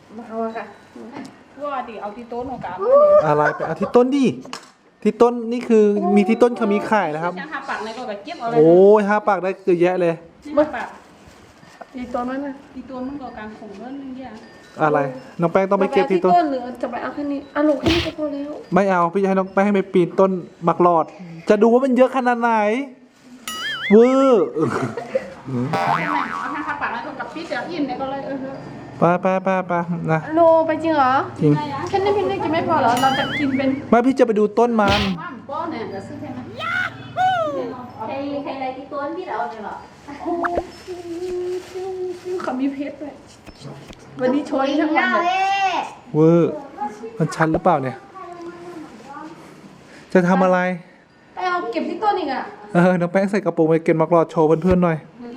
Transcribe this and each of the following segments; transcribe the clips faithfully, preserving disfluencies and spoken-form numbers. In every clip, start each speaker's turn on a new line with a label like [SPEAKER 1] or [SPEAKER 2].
[SPEAKER 1] มาเอาค่ะว่าดิเอาที่โต๊ะหนูกับ
[SPEAKER 2] อะไรไปเอาที่ต้นดิที่ต้นนี่คือมีที่ต้นเขามีขายนะครับ
[SPEAKER 1] ห้าปากในก็แบบเก็บเอาเลย
[SPEAKER 2] โอ้ยห้าปากได้เยอะแยะเลย
[SPEAKER 1] ห้าปาก
[SPEAKER 3] ตีต้นนั่นนะ
[SPEAKER 1] ที่ตัวมันก็กลางของเรื่องนึงอย่าง
[SPEAKER 2] อะไรน้องแป้งต้องไปเก็บที่ต้น
[SPEAKER 3] หรือจะไปเอาแค่นี้อ่ะลูกแค่นี้ก็พอแล้ว
[SPEAKER 2] ไม่เอาพี่จะให้น้องแป้งให้ไปปีนต้นมักหลอด จะดูว่ามันเยอะขนาดไหนเวอร์
[SPEAKER 1] เอาห้าปากในก็กับพี่เดี๋ยวอิ่มในก็เลยเออ
[SPEAKER 2] ไปไปไปไปนะ
[SPEAKER 3] โลไปจริงเหรอ
[SPEAKER 2] จริง
[SPEAKER 3] แค่นี้พี่นี่กินไม่พอเหรอเราจะกินเป็น
[SPEAKER 2] ไม่พี่จะไปดูต้นมัน
[SPEAKER 1] บ้านป้อเนี่ยจะซื้อใช่ไหม
[SPEAKER 4] ใครใครอะไรที่ตัวพี่เราเนี่ยหรอ
[SPEAKER 3] เขามีเพชรด้วยวันนี้โชยทั้งวันเลย
[SPEAKER 2] เวอร์มันชันหรือเปล่าเนี่ย จะทำอะไร
[SPEAKER 3] ไปเอาเก็บที่ต้นอีกอ่ะ
[SPEAKER 2] เออน้องแป้งใส่กระโปรงไปเก็บมักหลอดโชว์เพื่อนๆหน่อย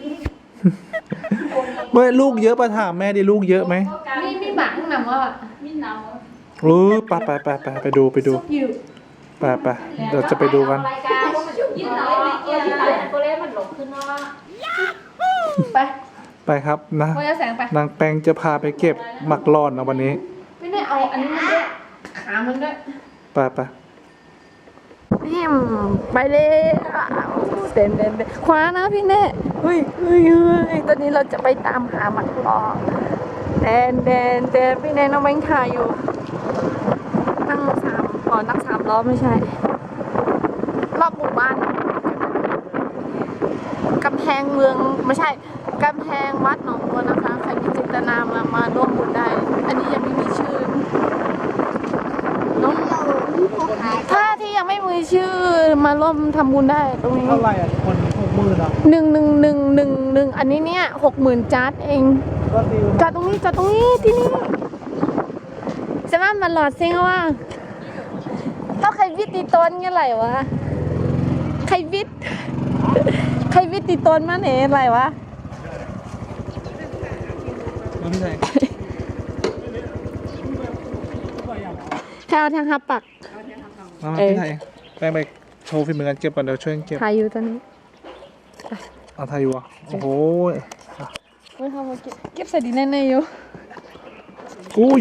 [SPEAKER 2] เมื่อลูกเยอะปะถามแม่ดิลูกเยอะไหม
[SPEAKER 3] มีมีหมาข้างหนำว่า
[SPEAKER 1] มีหนาว
[SPEAKER 2] เออไปไปไปไปไปดูไปดู
[SPEAKER 3] ซุกอยู่
[SPEAKER 2] ไปไปเดี๋ยวจะไปดูกัน
[SPEAKER 4] รายการยิ้มหน่อยไม่เกี่ยวที่ไหนก็เล่นมันหลงขึ้นเนาะ
[SPEAKER 3] ไป
[SPEAKER 2] ไปครับนะ
[SPEAKER 3] พอจะแสงไป
[SPEAKER 2] นางแปงจะพาไปเก็บหมักหลอดนะวันนี้
[SPEAKER 3] ไม่ได้เอาอันนี้มันด้วยขามันด้วย
[SPEAKER 2] ไปไป
[SPEAKER 3] นี่ไปเลยเต้นเต้นคว้านะพี่เน่เฮ้ยเฮ้ยเฮ้ยตอนนี้เราจะไปตามหาหมักหลอกเต้นเต้นเต้นพี่เน่น้องแบงค์ถ่ายอยู่นั่งสามอ๋อนั่งสามล้อไม่ใช่รอบหมู่บ้านกำแพงเมืองไม่ใช่กำแพงวัดหนองบัวนะคะใครมีจิตนามามาร่วมบุญได้ อันนี้ยังไม่มีชื่อน้องถ้าที่ยังไม่มีชื่อมาร่วมทำบุญได้ตรงนี้
[SPEAKER 2] เท่าไหร่อ่ะคนหกหมื่นอ่ะ
[SPEAKER 3] หนึ่งหนึ่งหนึ่งหนึ่งหนึ่งอันนี้เนี่ยหกหมื่นจาร์ดเอง
[SPEAKER 2] ก็ดี
[SPEAKER 3] จอดตรงนี้จอดตรงนี้ที่นี่จะมามันหลอดซิงว่าต้องใครวิทตีต้นเงี้ยไรวะใครวิทใครวิทตีต้นมาเนี่ยอะไรวะ
[SPEAKER 2] ไม่ใช่
[SPEAKER 3] แถวทางฮับปัก
[SPEAKER 2] มามาพี่ไทยแป้งไปโชว์ฝีมือกันเก็บก่อนเดี๋ยวช่วยกันเก็บ
[SPEAKER 3] ถ่ายอยู่ตอนนี้
[SPEAKER 2] เอาไทยอยู่อ่ะโอ้โห
[SPEAKER 3] ไม่ทำมาเก็บเก็บใส่ดินแน่ๆอยู่
[SPEAKER 2] อุ้ย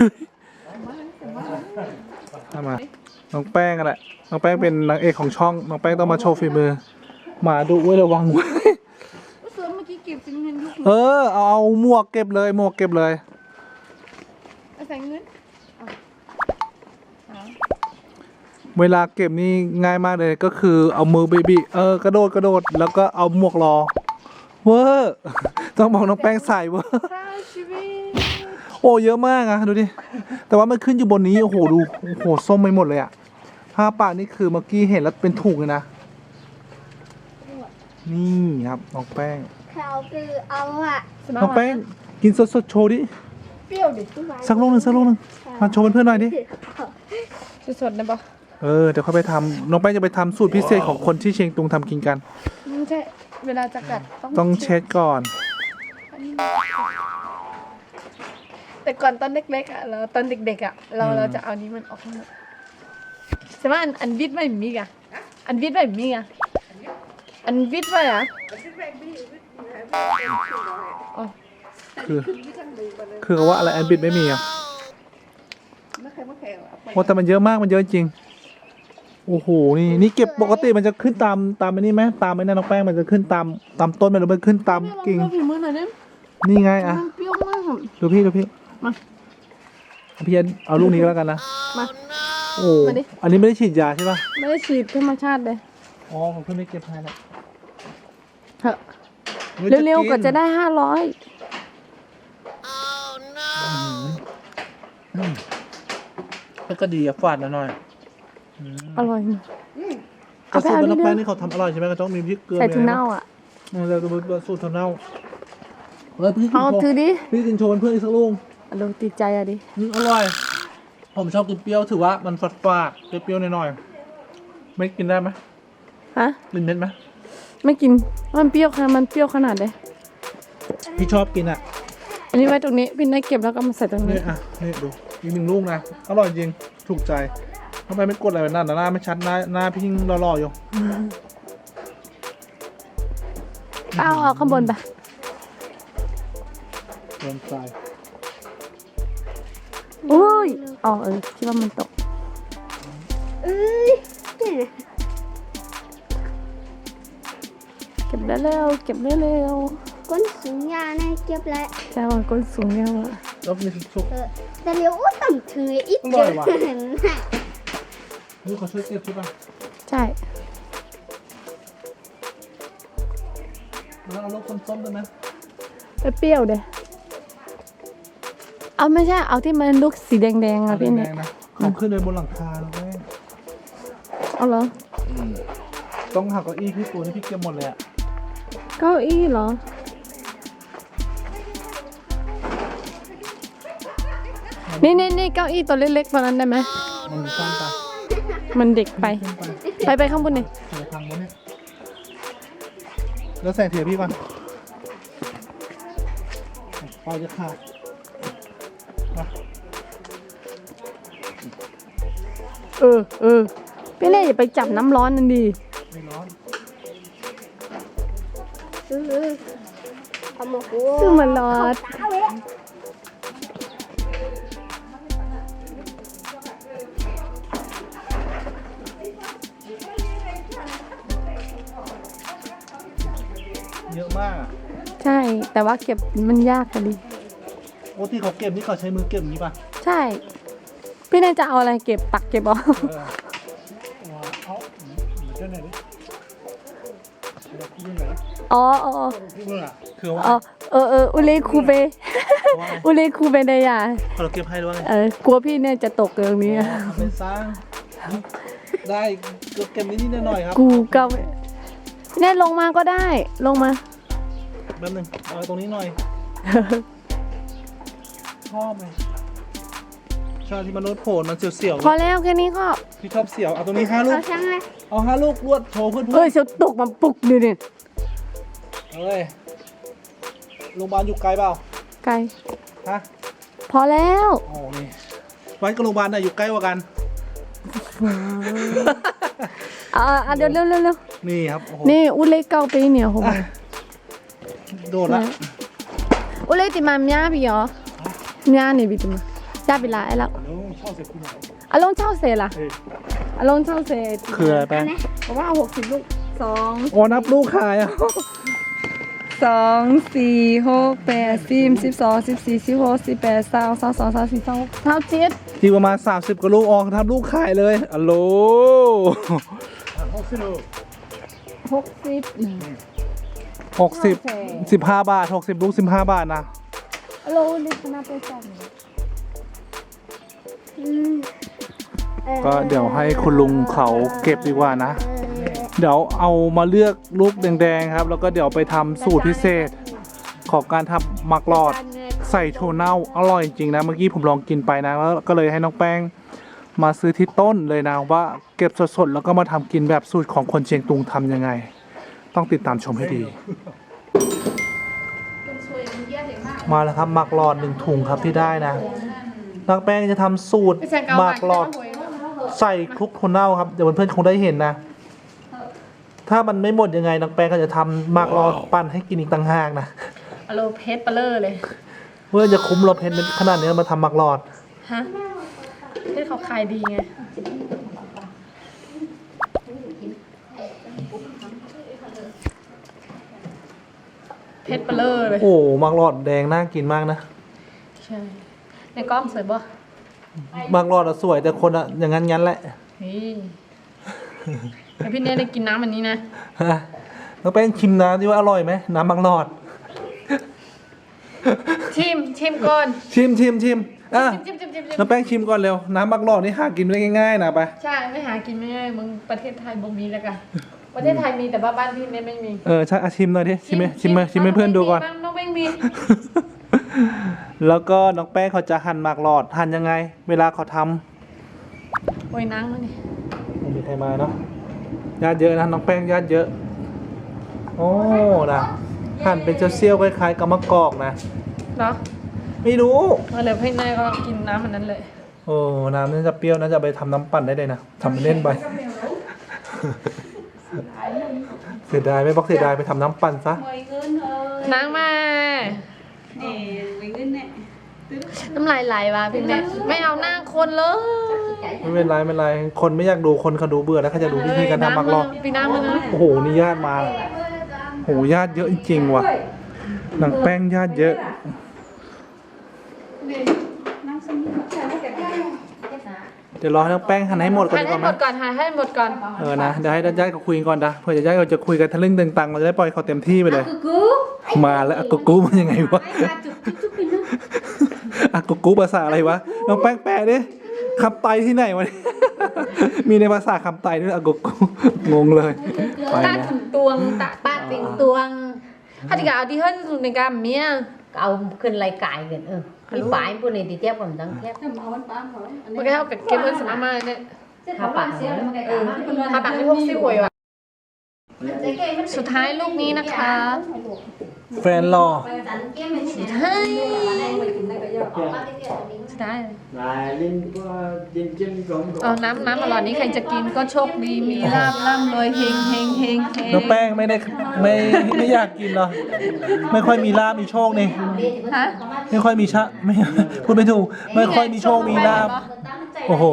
[SPEAKER 2] ทำมาน้องแป้งกันแหละน้องแป้งเป็นนางเอกของช่องน้องแป้งต้องมาโชว์ฝีมือหมาดุไว้ระวังไว้
[SPEAKER 3] เสือเมื่อกี้เก็บเป็นเงินลูก
[SPEAKER 2] เออเอาเอาหมวกเก็บเลยหมวกเก็บเลย
[SPEAKER 3] ใส่เงิน
[SPEAKER 2] เวลาเก็บนี่ง่ายมากเลยก็คือเอามือบีบีเออกระโดดกระโดดแล้วก็เอาหมวกรอเวอร์ต้องบอกน้องแป้งใส่เวอร์
[SPEAKER 3] ค่าชีวิต
[SPEAKER 2] โอ้เยอะมากอะดูดิแต่ว่ามันขึ้นอยู่บนนี้โอ้โหดูโอ้โหส้มไปหมดเลยอะผ้าป่านี่คือเมื่อกี้เห็นแล้วเป็นถุงเลยนะนี่ครับน้องแป้ง
[SPEAKER 4] เขาคือเอาอะ
[SPEAKER 2] น้องแป้งกินสดๆโชว์ดิ
[SPEAKER 3] เปรี้ยวดิ
[SPEAKER 2] สักลูกหนึ่งสักลูกหนึ่งมาโชว์เพื่อนๆหน่อยดิ
[SPEAKER 3] สดๆนะปะ
[SPEAKER 2] เออเดี๋ยวค่อยไปทำน้องแป้งจะไปทำสูตรพิเศษของคนที่เชียงตุงทำกินกัน
[SPEAKER 3] ไม่ใช่เวลาจะกัด
[SPEAKER 2] ต้องเช็ดก่อน
[SPEAKER 3] แต่ก่อนตอนเล็กๆอ่ะเราตอนเด็กๆอ่ะเราเราจะเอานี้มันออกมาใช่ไหมอันอันวิทย์ไม่มีอ่ะอันวิทย์ไม่มีอ่ะอันวิทย์ไม่อ่ะอ๋อ
[SPEAKER 2] คือคือเขาว่าอะไรแอนบิดไม่มีอ่ะโอ้แต่มันเยอะมากมันเยอะจริงโอ้โหนี่นี่เก็บปกติมันจะขึ้นตามตามไอ้นี่ไหมตามไอ้นั่นน้องแป้งมันจะขึ้นตามตามต้นมันหรือมันขึ้นตามกิ่ง
[SPEAKER 3] ลองฝีมือหน่อยได้
[SPEAKER 2] นี่ไงอ่ะ
[SPEAKER 3] มันเปรี้ยวมาก
[SPEAKER 2] ดูพี่ดูพี่
[SPEAKER 3] มา
[SPEAKER 2] พี่เอาลูกนี้ก็แล้วกันนะ
[SPEAKER 3] มา
[SPEAKER 2] โอ้
[SPEAKER 3] มาดิ
[SPEAKER 2] อันนี้ไม่ได้ฉีดยาใช่ป่ะ
[SPEAKER 3] ไม่ได้ฉีดธรรมชาติเลย
[SPEAKER 2] อ๋อผมเพิ่งได้เก็บให้แล้ว
[SPEAKER 3] เถอะเร็วๆก็จะได้ห้าร้อย
[SPEAKER 2] แล้วก็ดีอ่ะฝาดหน่อย
[SPEAKER 3] อร่อยมาก
[SPEAKER 2] กระสูตรน้องแป้งนี่เขาทำอร่อยใช่ไหมก็ต้องมีพริกเกลือ
[SPEAKER 3] ใส่ถั่วเน่าอ่ะ
[SPEAKER 2] เราจะมาสูตรถั่วเน่าเฮ้ยพี่กิน
[SPEAKER 3] เอา
[SPEAKER 2] โชว์
[SPEAKER 3] ถือดิ
[SPEAKER 2] พี่กินโชว์เพื่อนๆอีกสักลูก
[SPEAKER 3] อร่อยติดใจอ่ะดิ
[SPEAKER 2] อืมอร่อย ผมชอบกินเปรี้ยวถือว่ามันฝาดฝาดๆเปรี้ยวๆหน่อยๆไม่กินได้ไหม
[SPEAKER 3] ฮะ
[SPEAKER 2] กินเม็ดไหม
[SPEAKER 3] ไม่กินมันเปรี้ยวขนาดมันเปรี้ยวขนาดเลย
[SPEAKER 2] พี่ชอบกินอ่ะ
[SPEAKER 3] อันนี้ไว้ตรงนี้พี่นายเก็บแล้วก็มาใส่ตรง
[SPEAKER 2] นี่
[SPEAKER 3] นี้
[SPEAKER 2] อ่ะนี่ดูอีกหนึ่งลูกนะอร่อยจริงถูกใจทำไมไม่กดอะไรแบบนั้นหน้าไม่ชัดหน้าหน้าพี่ยิ่งหล่อๆอยู่
[SPEAKER 3] เอาเอาข้างบนไป
[SPEAKER 2] เติมใจ
[SPEAKER 3] อ๋อเออคิดว่ามันตก
[SPEAKER 5] เอ้ยเนี่ย
[SPEAKER 3] เก็บได้เร็วเก็บได้เร็ว
[SPEAKER 5] ก้นสูงยานะเก็บแล้ว
[SPEAKER 3] ใช่ว่าก้นสูงเนี่ยว่ะ
[SPEAKER 2] แล้วมีสุก
[SPEAKER 5] เออแต่เดี๋ยวอ้ต่ำถึงไอ้อีก
[SPEAKER 2] อร่
[SPEAKER 5] เจ
[SPEAKER 2] อ
[SPEAKER 5] อย
[SPEAKER 2] ว่ะ
[SPEAKER 5] เห็นไหม
[SPEAKER 2] นี่เขาช่วยเก็บใช่ป่ะ
[SPEAKER 3] ใช่
[SPEAKER 2] แล้วเอาลูกส้มๆได้ไหม
[SPEAKER 3] ไปเปรี้ยวเด้เอาไม่ใช่เอาที่มันลูกสีแดงๆอะพี่
[SPEAKER 2] แด
[SPEAKER 3] เนี่ย
[SPEAKER 2] งๆนะขึ้นขึ้นไปบนหลังคาแล้วแม่
[SPEAKER 3] เอาเหรอ
[SPEAKER 2] ต้องหักเก้าอี้พี่ปูนี่พี่เก็บหมดเลยอ่ะ
[SPEAKER 3] เก้าอี้เหรอ นี่นี่นี่เก้าอี้ตัวเล็กๆตัวนั้นได้ไหม
[SPEAKER 2] มันสั้นไป
[SPEAKER 3] มันเด็กไป
[SPEAKER 2] ขึ้นไป
[SPEAKER 3] ไปไปข้างบนนี่
[SPEAKER 2] ใส่ทางบนเนี่ยแล้วแสงเถียพี่ก่อนไฟจะขาดมา
[SPEAKER 3] เออเออพี่เล่อย่าไปจับน้ำร้อนนั่นดี
[SPEAKER 2] ไม่ร้อน
[SPEAKER 5] เออเอามาหัว
[SPEAKER 3] ซึ่งมันร้อน
[SPEAKER 5] เอาไว้
[SPEAKER 2] เยอะมากอะ
[SPEAKER 3] ใช่ แต่ว่าเก็บมันยากอะดิ
[SPEAKER 2] โอ้ที่เขาเก็บนี่เขาใช้มือเก็บอย่างนี้ป่ะ
[SPEAKER 3] ใช่ พี่เล่จะเอาอะไรเก็บตักเก็บเหรอ
[SPEAKER 2] เออว้าวเอาเจ้าไหนดิเดี๋ยวพี่ดูหน่อยดิ
[SPEAKER 3] อ๋ออ๋อ
[SPEAKER 2] พี่ดูอ่ะคือว่า
[SPEAKER 3] อ๋อเออเอออุเลคูเบ
[SPEAKER 2] ว่าไง
[SPEAKER 3] อุเลคูเบเดีย
[SPEAKER 2] เขาเก็บให้หรือว่าไง
[SPEAKER 3] เออกลัวพี่เนี่ยจะตกเรื่องนี้อะ
[SPEAKER 2] ทำเป็นสร้าง ได้ก็เก็บนิดๆหน่อยๆครับ
[SPEAKER 3] กูก็ไม่เนี่ยลงมาก็ได้ ลงมา
[SPEAKER 2] แป๊บนึงเอาตรงนี้หน่อย ชอบไหมชอบที่มันโน้ตโผล่มันเสียว
[SPEAKER 3] พอแล้วแค่นี้ก็
[SPEAKER 2] ๆพี่ชอบเสียว เอาตรงนี้ห้าลู
[SPEAKER 5] เอา
[SPEAKER 2] ก
[SPEAKER 5] ช่างเลย
[SPEAKER 2] เอาห้าลูกรวดโชว์เพื่อน
[SPEAKER 3] เอ้ยเสียวตกมาปุกดิดิ
[SPEAKER 2] ๆเอ้ยโรงพยาบาลอยู่ไกลเปล่า
[SPEAKER 3] ไกล
[SPEAKER 2] ฮะ
[SPEAKER 3] พอแล้ว
[SPEAKER 2] โอ้นี่วัดกับโรงพยาบาลน่ะอยู่ใกล้กว่ากัน
[SPEAKER 3] อ่าอ่าเดี๋ยวเร็วเร็วเร็ว
[SPEAKER 2] นี่ครับ โอ้โห
[SPEAKER 3] นี่อุเลเก้าปีเนี่ยโห
[SPEAKER 2] อ่ะโดดละ
[SPEAKER 3] อุเลติมาเมียพี่เหรอเมียนี่พี่ติมาจ้าเวลาไอ้ละ
[SPEAKER 2] โอ้ชอบเสียคุณหน่อย
[SPEAKER 3] อารมณ์เช่าเสร็จล่ะ
[SPEAKER 2] เฮ้ย
[SPEAKER 3] อารมณ์เช่าเสร็จ
[SPEAKER 2] คืออะไรแป้ง
[SPEAKER 3] เพราะว่าหกสิบลูกสอง
[SPEAKER 2] โอ้นับลูกขายอ่ะ
[SPEAKER 3] สองสี่หกแปดสิบสิบสองสิบสี่สิบหกสิบแปดสามสามสองสามสี่สามเท่าเจ็ด
[SPEAKER 2] ทีประมาณสามสิบกว่าลูกออกทำลูกขายเลยอัลโหล
[SPEAKER 3] หกสิบ
[SPEAKER 2] หกสิบสิบห้าบาทหกสิบลูกสิบห้าบาทนะ
[SPEAKER 3] ฮัลโหลนี่คณะไปจับ
[SPEAKER 5] อืมออ
[SPEAKER 2] ก็เดี๋ยวให้คุณลุงเขาเก็บดีกว่านะ
[SPEAKER 5] เออ
[SPEAKER 2] เดี๋ยวเอามาเลือกลูกแดงๆครับ แล้วก็เดี๋ยวไปทำสูตรพิเศษ ของการทำมักหลอดใส่โชเน่าอร่อยจริงนะ เมื่อกี้ผมลองกินไปนะแล้วก็เลยให้น้องแป้งมาซื้อที่ต้นเลยนะว่าเก็บสดๆแล้วก็มาทำกินแบบสูตรของคนเชียงตุงทำยังไง ต้องติดตามชมให้ดี มาแล้วครับหมักหลอดหนึ่งถุงครับที่ได้นะน้องแป้งจะทำสูตรหมักหลอดใส่คลุกโทนเน่าครับเดี๋ยวเพื่อนๆคงได้เห็นนะ ถ้ามันไม่หมดยังไงน้องแป้งก็จะทำหมักหลอดปั่นให้กินอีกต่างหากนะ
[SPEAKER 3] อารมณ์เพชรเปลอเลย
[SPEAKER 2] เมื่อจะคุ้มเราเพนเป็นขนาดนี้มาทำหมักหลอด
[SPEAKER 3] ฮะเพชรเขาขายดีไงเพชรเปลอเลย
[SPEAKER 2] โอ้หมักหลอดแดงน่ากินมากนะ
[SPEAKER 3] ใช่ในกล้องสวยป่ะ
[SPEAKER 2] หมักหลอดอะสวยแต่คนอะอย่างนั้นงั้นแหละ
[SPEAKER 3] นี่แล้วพี่เนยได้กินน้ำอันนี้นะ
[SPEAKER 2] ฮะน้องแป้งชิมน้ำที่ว่าอร่อยไหมน้ำหมักหลอด
[SPEAKER 3] ชิมชิมก่อน
[SPEAKER 2] ชิมชิมชิมอ่ะ
[SPEAKER 3] ชิมชิมชิมชิม
[SPEAKER 2] น้องแป้งชิมก่อนเร็วน้ำหมักหลอดนี่หากินได้ง่ายๆนะไป
[SPEAKER 3] ใช่ไม่หากินไม่ง่ายมึงประเทศไทยบ่มีแล้วกันประเทศไทยมีแต่ว่าบ้านพี่เนยไม่มี
[SPEAKER 2] เออใช่อ่ะชิมหน่อยดิชิมไหมชิมไหมชิมให้เพื่อนดูก่อน
[SPEAKER 3] น้องแป้งมี
[SPEAKER 2] แล้วก็น้องแป้งเขาจะหั่นหมากหลอดหั่นยังไง เวลาเขาท
[SPEAKER 3] โอ้ยนังแล้วนี่
[SPEAKER 2] ำไม่มีใครมาเนาะญาติเยอะนะน้องแป้งญาติเยอะโอ้นะหั่นเป็นเซี่ยวๆคล้ายๆกับมะกอกนะ
[SPEAKER 3] เนาะ
[SPEAKER 2] ไม่รู้
[SPEAKER 3] มาเลยพี่เนยก็กินน้ำอันนั้นเลย
[SPEAKER 2] โอ้น้ำน่าจะเปรี้ยวน่าจะไปทำน้ำปั่นได้เลยนะทำเล่นไป เสียดายไม่บอกเสียดายไปทำน้ำปั่นซะ
[SPEAKER 3] นางมา
[SPEAKER 4] Nè, mình lên nè. Từ
[SPEAKER 3] น้ำลายไหลว่ะพี่เนทไม่เอาหน้าคนเลย
[SPEAKER 2] ไม่เป็นไรไม่เป็นไรคนไม่อยากดูคนเขาดูเบื่อแล้วเขาจะดูวิธีการทำมักลอก
[SPEAKER 3] พี่น้ำมันนะ
[SPEAKER 2] โอ้โหนี่ญาติมาโอ้โหญาติเยอะจริงๆว่ะหนังแป้งญาติเยอะ เดี๋ยวรอให้น้องแป้งหั่นให้หมดก่อน
[SPEAKER 3] หั่น
[SPEAKER 2] ดีก
[SPEAKER 3] ให้
[SPEAKER 2] ว่า
[SPEAKER 3] ห
[SPEAKER 2] ไห
[SPEAKER 3] ม
[SPEAKER 2] ม
[SPEAKER 3] ดก่อนหั่นให้หมดก่อน
[SPEAKER 2] เออนะเดี๋ยวให้ญาติเขาคุยก่อนนะเผื่อญาติเขาจะคุยกันทะลึ่งตึงตังเราจะได้ปล่อยเขาเต็มที่ไปเลย มาแล้วอากูกูมันยังไงวะอากูกูภาษาอะไรวะน้องแป้งแปลดิคำไตที่ไหนวะเนี่ยมีในภาษาคำไตด้วยอากูกูงงเลยไป
[SPEAKER 3] ตา
[SPEAKER 2] นะ
[SPEAKER 3] ถึงตวงตาป้าติงตวงถ้าที่กเอาที่เฮิร์นในการเมีย
[SPEAKER 4] เอาขึ้นรายการกันเออพี่ปลายพวกนี้ที่เทียบกับดังเทียบ
[SPEAKER 3] มันก็เท่ากับเก็บเงินสมามาเนี่ย
[SPEAKER 4] ถ้าปากเสียแล้วมันก็
[SPEAKER 3] เออถ้าปากให้พวกซี่หวยว่ะสุดท้ายลูกนี้นะคะ
[SPEAKER 2] แฟนรอ
[SPEAKER 3] สุดท้ายสุดท้าย
[SPEAKER 6] Này, lên qua trên chân cũng
[SPEAKER 3] เอาน้ำน้ำอร่อยนี้ใครจะกินก็โชคดีมีลาบล่ำรวยเฮงเฮงเฮงเฮง
[SPEAKER 2] น้องแป้งไม่ได้ไม่ไม่อยากกินหรอไม่ค่อยมีลาบมีโชคนี่
[SPEAKER 3] ฮะ
[SPEAKER 2] ไม่ค่อยมีชะไม่พูดไม่ถูกไม่ค่อยมีโชคมีลาบโอ้โห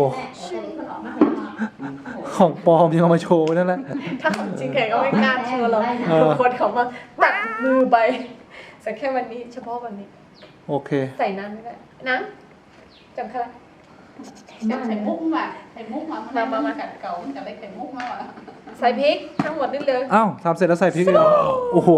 [SPEAKER 2] ของปลอมยังเอามาโชว์นั่นแหละ
[SPEAKER 3] ถ้าของจริงแขกก็ไม่กล้าเชื่อหรอก
[SPEAKER 2] เออ
[SPEAKER 3] ทุกคนเขามาตัดมือไปแต่แค่วันนี้เฉพาะวันนี้
[SPEAKER 2] โอเค
[SPEAKER 3] ใส่น้ำไม่ได้น้ำจำค่ะ
[SPEAKER 1] ไข่มุกมาไข่มุกมามามามากัดเก่ามันจะได้ไข่มุกมาว่ะ
[SPEAKER 3] ใส่พริกทั้งหมดนี่เลย
[SPEAKER 2] อ้าวทำเสร็จแล้วใส่พริกเลยเหรอโอ้โห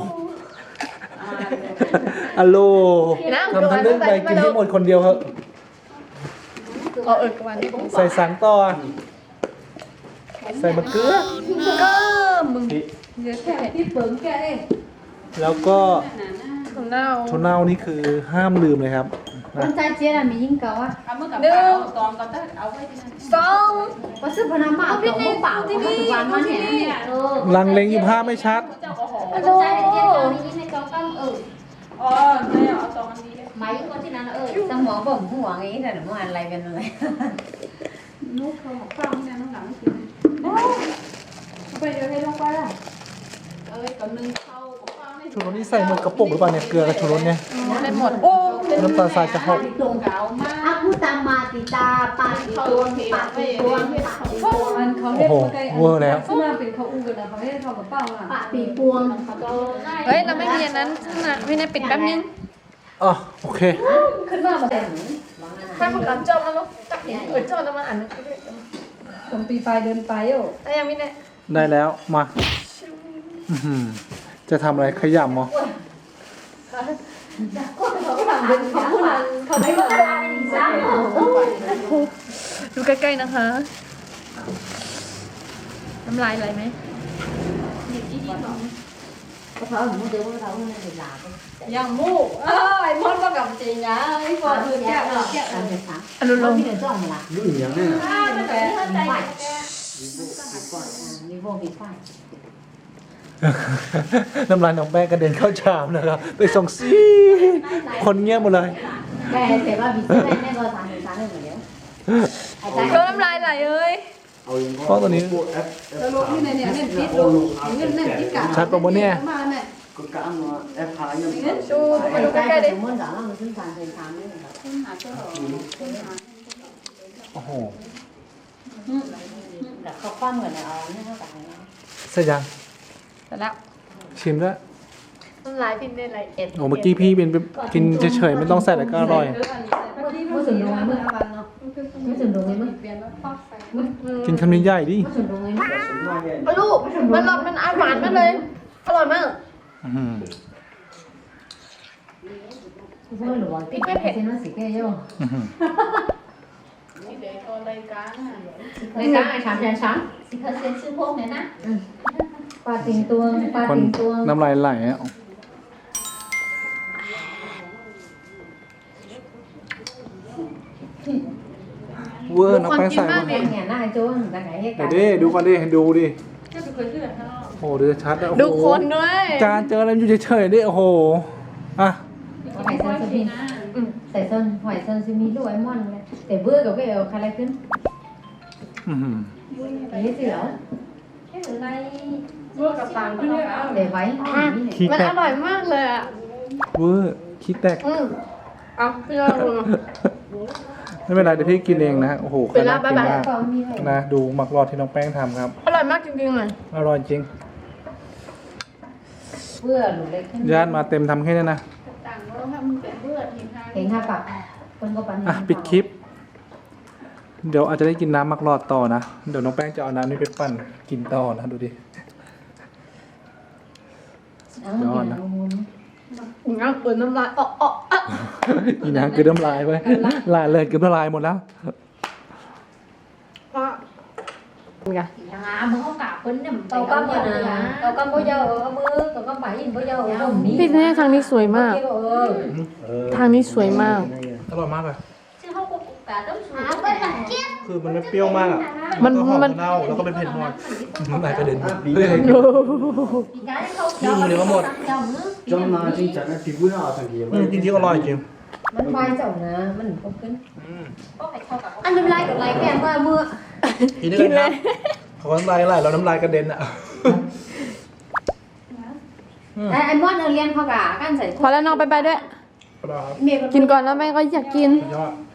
[SPEAKER 2] อัลโหลทำทั้งเรื่องไปกินให้หมดคนเดียวเหอะ
[SPEAKER 3] เออเออกวันนี้ผม
[SPEAKER 2] ใส่สังต่อใส่มะเขือ
[SPEAKER 3] ก็มึงเยอะแค่ที่เปิงแก
[SPEAKER 2] แล้วก็
[SPEAKER 3] ถั่วเน่า
[SPEAKER 2] ถั่วเน่านี่คือห้ามลืมเลยครับนะ
[SPEAKER 4] คนใจเจี๊ยบมียิ่งเก่าอ่ะ
[SPEAKER 1] เอามือกับปากตอนก็ต้องเอาไว้ที่นั่น
[SPEAKER 3] สอง
[SPEAKER 4] ก็ซื้อพนันมาเอาตัวเปล่าที่นี่วันมันเนี่ยเออ
[SPEAKER 2] ลังเลงอยู่ภาพไม่ชัด
[SPEAKER 1] เจ้าก็หอม
[SPEAKER 4] คนใจเจี๊ยบมียิ่งในกองกันเออ
[SPEAKER 1] อ๋อเนี่ยเอาตอนนี้
[SPEAKER 4] ไม้คนที่นั้นเออสมองผมหัวงี้แต่เมื่อวานอะไรกันเลย
[SPEAKER 1] นุ๊กเขาหอมฟังเนี่ยน้องหลังกินไปเดี๋ยวให้ลงไปละเอ้ยก่อนนึงเข้าของฟังให้
[SPEAKER 2] ชูรสนี่ใส่หมดกระปุกหรือเปล่าเนี่ยเกลือกับชูรสเนี่ย
[SPEAKER 3] ได้หมดโอ้
[SPEAKER 2] น้ำตาลทรายจะหก
[SPEAKER 1] ตรงเก่ามา
[SPEAKER 4] อากูตามมาติตาปาติตัวปาติตัวปาติตัว
[SPEAKER 7] อันเขา
[SPEAKER 2] โอ้
[SPEAKER 7] เรียก
[SPEAKER 2] โห
[SPEAKER 7] ว่าไก่
[SPEAKER 2] เวอร์แล้ว
[SPEAKER 7] สมาเป็นเขาอู้กันนะเขาเรียกเขากับเป้าอ่ะ
[SPEAKER 4] ปาติปวง
[SPEAKER 3] เฮ้ยเราไม่มีอันนั้นนะพี่นายปิดแป๊บนึง
[SPEAKER 2] อ๋อโอเค
[SPEAKER 7] ขึ้นมาแบบ
[SPEAKER 3] ถ้ามันกับจอมแล้วจับเห็นเออจอมแล้วมันอ่านนึง
[SPEAKER 7] ผมปีปลายเดินไปโอ้
[SPEAKER 3] ได้ยังพี่นาย
[SPEAKER 2] ได้แล้วมาอื้อหือจะทำอะไรขยำเหรอ
[SPEAKER 7] เขาพูดนั้นเขาไม่มา
[SPEAKER 3] ดูใกล้ๆนะคะน้ำลายไหลไหม
[SPEAKER 4] เขาหมูเดียวเขาเนี่ยเวลา
[SPEAKER 7] อย่างมูเอ้ไอ้มอนก็กับจริงนะไอ้ฟอนคือแก่แก่
[SPEAKER 4] อันเดียวกัน
[SPEAKER 3] อนุโลม
[SPEAKER 4] พี่เดินจ้องมาละ
[SPEAKER 6] Lúc nhớ này là
[SPEAKER 4] แต่ฝ่ายมีพวกมีฝ่าย
[SPEAKER 2] น้ำลายน้องแป้งกระเด็นเข้าชามนะครับไปส่งซีคนเงียบหมดเลย
[SPEAKER 4] แต่แต่ว่ามีเสื้อแม่ก็ทานทานได้เหมือนเดิมไอ้ใจ
[SPEAKER 3] เธอน้ำลายไหลเอ้ย
[SPEAKER 2] เพราะตัวนี้
[SPEAKER 7] สรุปที่ในเนี่ยเน้นติดลงเงินเน้นติดกัน
[SPEAKER 2] ชัดปะวะเนี่ย
[SPEAKER 7] มาเนี่ย
[SPEAKER 6] có cả mà F hai nhưng mà
[SPEAKER 3] ดูมาดู
[SPEAKER 4] ใก
[SPEAKER 3] ใกล้ๆดิ
[SPEAKER 4] ล้ๆมันด่ามันขึ้นทานเป็นทานนี่ครับ
[SPEAKER 2] โอ้โห
[SPEAKER 4] แต่เขาคว้าเหมือนเอาเนี่ยเขาแต่ง
[SPEAKER 2] เสร็จยัง
[SPEAKER 3] เสร็จแล้ว
[SPEAKER 2] ชิมแล้ว
[SPEAKER 3] น้ำลายพี่ได้ไหลเอ็ด
[SPEAKER 2] โอ้เมื่อกี้พี่เป็นกินเฉยๆไม่ต้องใส่อะไรก็อร่อย
[SPEAKER 4] เมื่อถึงตรงไหนเมื่อเมื่อถึงตรงไหนเมื่อ
[SPEAKER 2] กินคำนี้ใหญ่ดิ
[SPEAKER 4] เมื่อถึงตรงไหนเมื่อ
[SPEAKER 3] ลูกมันหลอดมันอร่อยมากเลยอร่อยมาก
[SPEAKER 2] อื้อหือ
[SPEAKER 4] เมื่อหลวงพี่ไม่เผ็ดนั่นสิแก่ย่อ
[SPEAKER 2] อื้อหือ
[SPEAKER 1] นี่เดี๋ยวก็รายการ
[SPEAKER 4] ในช้างไอ้ช้างแทนช้างสิเขาเซ็นชื่อพวกเนี่ยนะปลาติงตัวปลา
[SPEAKER 2] คน
[SPEAKER 4] ติงตัว
[SPEAKER 2] น้ำลายไหลอ่ะเวอร์น้องแป้งใส่มา
[SPEAKER 4] เนี่ยน่าโจ้นแต่ไหนให้กั
[SPEAKER 2] เดี๋ย
[SPEAKER 4] น
[SPEAKER 2] วดิดูก่อนดิดูดิ
[SPEAKER 1] ถ้าเป็นคนเลือดข้างนอก
[SPEAKER 2] โอ้โหดูชัดอ่ะโอ้โห
[SPEAKER 3] ดูคนด้วย
[SPEAKER 2] จานเจออะไรอยู่เฉยๆดิโอ้โหอ่ะ
[SPEAKER 4] หอยเซนซิมีใส่ส้นหอยเซนซิมีลูกไอมอนเลยแต่เบื่อกับก็เอาอะไรขึ้น
[SPEAKER 2] อื้อหือ
[SPEAKER 4] นี่สิเหรอ
[SPEAKER 1] เมื่อกับต่างขึ้นเลยเอา
[SPEAKER 4] để váy
[SPEAKER 2] ขี้
[SPEAKER 3] มัน
[SPEAKER 2] แต
[SPEAKER 3] อก ร่อยมากเลยอ่ะ
[SPEAKER 2] เวอร์ขี้แตก
[SPEAKER 3] อืมเอาพี่น้อง
[SPEAKER 2] ไม่เป็นไรเดี๋ยวพี่กินเองนะโอ้โห
[SPEAKER 3] เป็น
[SPEAKER 2] น่า
[SPEAKER 3] ลาบ
[SPEAKER 2] กิน
[SPEAKER 3] บ๊ายบาย
[SPEAKER 2] มาก
[SPEAKER 4] ก็มีไว้
[SPEAKER 2] นะดูหมักรอดที่น้องแป้งทำครับ
[SPEAKER 3] อร่อยมากจริงๆเลย
[SPEAKER 2] อร่อยจริง
[SPEAKER 4] เบื่อหรือเล็กขึ้น
[SPEAKER 2] ญาติมาเต็มทำแค่นี้นะ
[SPEAKER 1] ต่างก็ให้มันเป็นเลือดทีทาง
[SPEAKER 4] เห็นห้าปากคนก็ปัน
[SPEAKER 2] อ่ะปิดคลิป เดี๋ยวอาจจะได้กินน้ำหมักรอดต่อนะเดี๋ยวน้องแป้งจะเอาน้ำนี้ไปปั่นกินต่อนะดูดิ
[SPEAKER 4] ยอดนะ
[SPEAKER 3] งั้นเปิดน้ำลายอ๋ออ๋ออ่ะ
[SPEAKER 2] อีน้ำคือน้ำลายไปลายเลยคือน้ำลายหมดแล้ว
[SPEAKER 3] พ่อเป็นไง
[SPEAKER 4] อย่างอ่ะมึงเขากะเพิ่นเนี่ยตอกำบ่นะตอกำบ่เยอะเอามือตอกำบ่ยินบ่เยอะเอานี่
[SPEAKER 3] พี่แน่ทางนี้สวยมาก
[SPEAKER 4] เออ
[SPEAKER 3] ทางนี้สวยมาก
[SPEAKER 2] อร่อยมากเลย
[SPEAKER 4] ซึ่งเขาก็กะต้องสูง
[SPEAKER 5] เอาไปหลังเจี๊ยบ
[SPEAKER 2] คือมันไม่เปรี้ยวมากอ่ะ
[SPEAKER 3] มัน
[SPEAKER 2] ก็หอม
[SPEAKER 3] มัน
[SPEAKER 2] เน่าแล้วก็เป็นเผ็ดน้อยน้ำลายกระเด็นเฮ้ย
[SPEAKER 3] โอ้โห
[SPEAKER 4] ปีกายเขา
[SPEAKER 2] นี่มันเดี๋ยวก็หมด
[SPEAKER 6] 좀 나 진짜 나 피부나 어떤 게
[SPEAKER 2] อืมจริงๆอร่อยจริง
[SPEAKER 4] มันวายเจ้านะมันก็ขึ้น
[SPEAKER 2] อืม
[SPEAKER 4] ก็ไปเข้ากับอันน้ำลายกับลายแก้มว่ามือ
[SPEAKER 2] กินด้วยกันครับเขาน้ำลายไหลเราน้ำลายกระเด็นอ่ะ
[SPEAKER 4] ไอ้ไอ้มอนเอาเรียนเขากะกันใส่
[SPEAKER 3] พอแล้วน้องไปไปด้วย
[SPEAKER 2] อร่อยครับ
[SPEAKER 4] เมย์
[SPEAKER 3] กินก่อนแล้วแม่ก็อยากกิน
[SPEAKER 2] สุดยอด